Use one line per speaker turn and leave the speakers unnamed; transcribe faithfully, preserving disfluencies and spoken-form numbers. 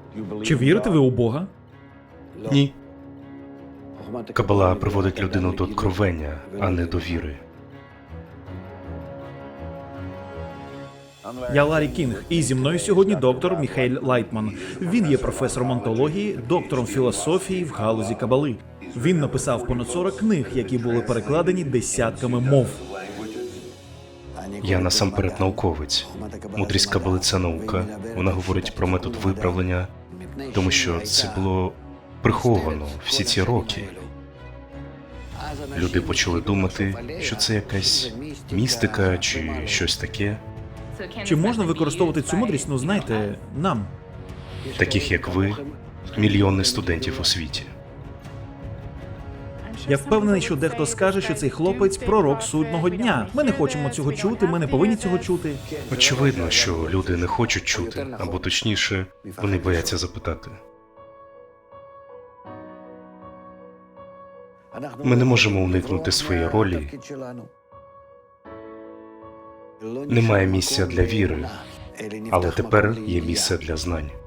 Чи вірите ви у Бога?
Ні. Кабала приводить людину до откровення, а не до віри.
Я Ларі Кінг, і зі мною сьогодні доктор Міхаель Лайтман. Він є професором онтології, доктором філософії в галузі кабали. Він написав понад сорок книг, які були перекладені десятками мов.
Я насамперед науковець. Мудрість Кабали – це наука. Вона говорить про метод виправлення, тому що це було приховано всі ці роки. Люди почали думати, що це якась містика чи щось таке.
Чи можна використовувати цю мудрість, ну знаєте, нам?
Таких як ви, мільйони студентів у світі.
Я впевнений, що дехто скаже, що цей хлопець – пророк судного дня. Ми не хочемо цього чути, ми не повинні цього чути.
Очевидно, що люди не хочуть чути, або точніше, вони бояться запитати. Ми не можемо уникнути своєї ролі. Немає місця для віри, але тепер є місце для знань.